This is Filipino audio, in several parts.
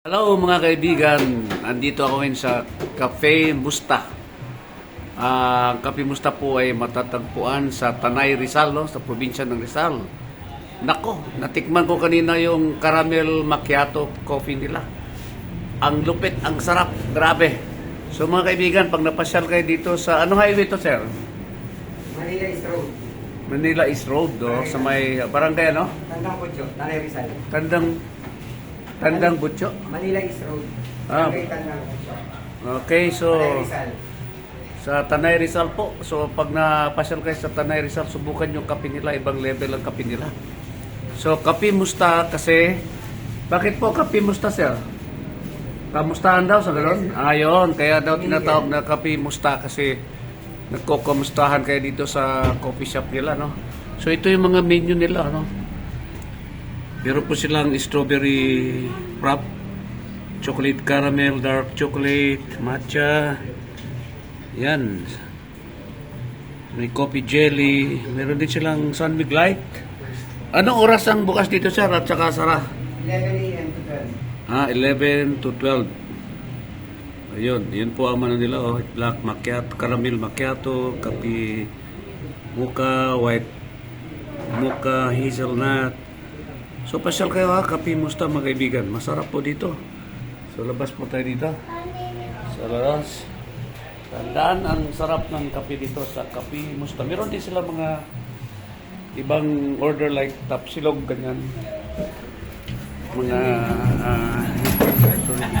Hello mga kaibigan, andito ako ngayon sa Cafe Musta. Ang Cafe Musta po ay matatagpuan sa Tanay, Rizal, no? Sa probinsya ng Rizal. Nako, natikman ko kanina yung caramel macchiato coffee nila. Ang lupit, ang sarap, grabe. So mga kaibigan, pag napasyal kayo dito sa, ano highway to sir? Manila East Road. Manila East Road, do, sa may barangay, ano? Tandang Kutyo, Tanay Rizal. Tandang Butyo. Manila East Road. Ah. Barangay Tandang Kutyo. Okay, so Tanay Rizal. sa Tanay Rizal po. So pag napasyal kayo sa Tanay Rizal, subukan yung kape nila, ibang level ang kape nila. So Cafe Musta kasi, bakit po Cafe Musta sir? Kamustahan daw sa gano'n? Ayun, kaya daw tinatawag na Cafe Musta kasi nagkokamustahan kayo dito sa coffee shop nila, no? So ito yung mga menu nila, no? Meron po silang strawberry frap, chocolate caramel, dark chocolate, matcha. Yan. May coffee jelly. Meron din silang sunmig light. Anong oras ang bukas dito sir at saka sara? 11 a.m. to 12. 11 to 12. Ayun, yun po ang ano nila, oh, black macchiato, caramel macchiato, kape mocha, white mocha, hazelnut. So pasyal kayo ha, Cafe Musta mga kaibigan. Masarap po dito. So labas po tayo dito. Sa labas. Tandaan ang sarap ng kape dito sa Cafe Musta. Meron din sila mga ibang order like tapsilog, ganyan. Mga sorry.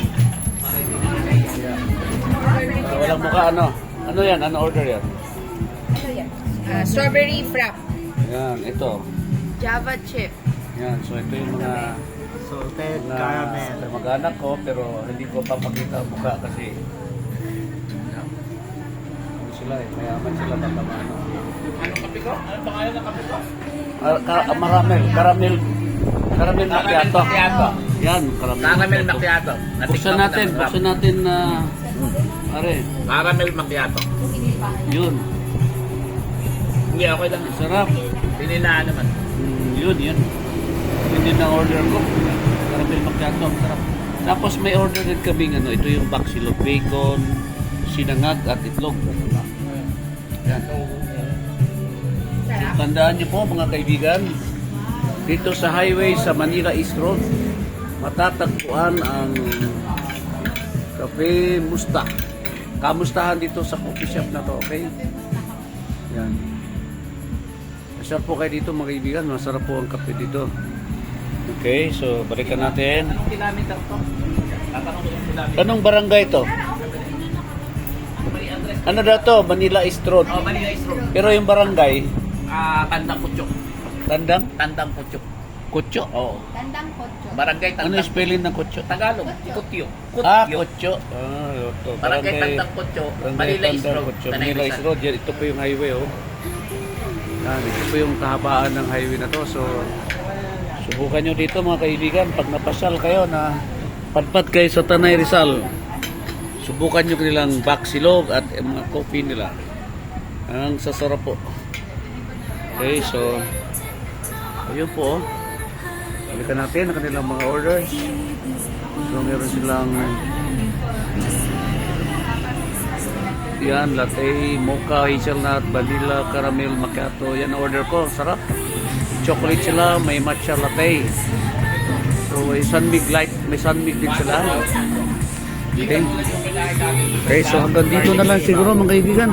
Walang mukha ano. Ano yan? Ano order yan? Ano yan? Strawberry frap. Yan, ito. Java chip. Yan, so ito yung mga Salted mag-anak ko pero hindi ko papakita ang mukha kasi ano sila eh, mayaman sila baka ano. Anong kape ko? Ano pangalan ng kape ko? Caramel macchiato. Yan, Caramel macchiato. Buksan natin na are, Caramel macchiato. yun. Hindi, okay lang. Sarap. Pininaan naman. Yun. Hindi na order ko. Caramel macchiato, ang sarap. Tapos may order din kaming ano, ito yung baksilog bacon, sinangag at itlog. Yan. Sarap. Tandaan niyo po mga kaibigan, dito sa highway sa Manila East Road, matatagpuan ang Cafe Musta. Kamustahan dito sa coffee shop na to, okay? Yan. Masarap po kayo dito mga kaibigan, masarap po ang kape dito. Okay, so balikan natin. Anong kilometer to? Tatanong ko yung kilometer. Anong barangay to? May address. Ano daw to? Manila East Road. Oh, Manila East Road. Pero yung barangay, Tandang Kutyo. Tandang Tandang Kutyo. Kutyo. Oo. Tandang kotso. Barangay Ano yung Tandang. spelling ng Kutyo? Tagalog. Kutyo. Kutyo. Ito. Barangay Tandang Kutyo. Manila East Road. Kutyo. Tanay Manila East Rizal. Road. Yan, ito po yung highway, oh. Yan, ito po yung kahabaan ng highway na to. So, subukan nyo dito mga kaibigan. Pag napasyal kayo na padpad kayo sa Tanay Rizal, subukan nyo kanilang baksilog at mga coffee nila. Ang sasarap po. Okay, so ayun po, oh. Balikan natin ang kanilang mga orders. So meron silang yan, latte, mocha, hazelnut, vanilla, caramel macchiato. Yan ang order ko, sarap. Chocolate sila, may matcha latte. So may sunmig light, may sunmig din sila. Okay. Okay, so hanggang dito na lang siguro mga kaibigan.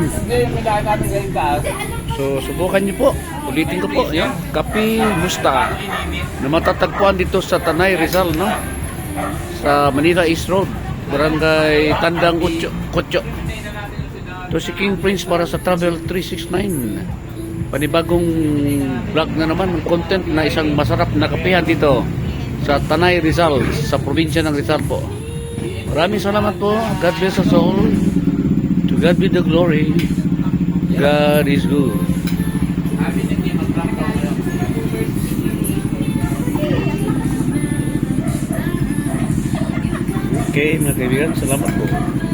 So subukan niyo po. Ulitin ko po, yan. Cafe Musta na matatagpuan dito sa Tanay, Rizal, no? Sa Manila East Road, Barangay Tandang Kutyo. To si King Prince para sa Travel 369. Panibagong vlog na naman, content na isang masarap na kapehan dito sa Tanay, Rizal, sa probinsya ng Rizal po. Maraming salamat po. God bless us all. To God be the glory. God is good. Okay, mga kaibigan, salamat po.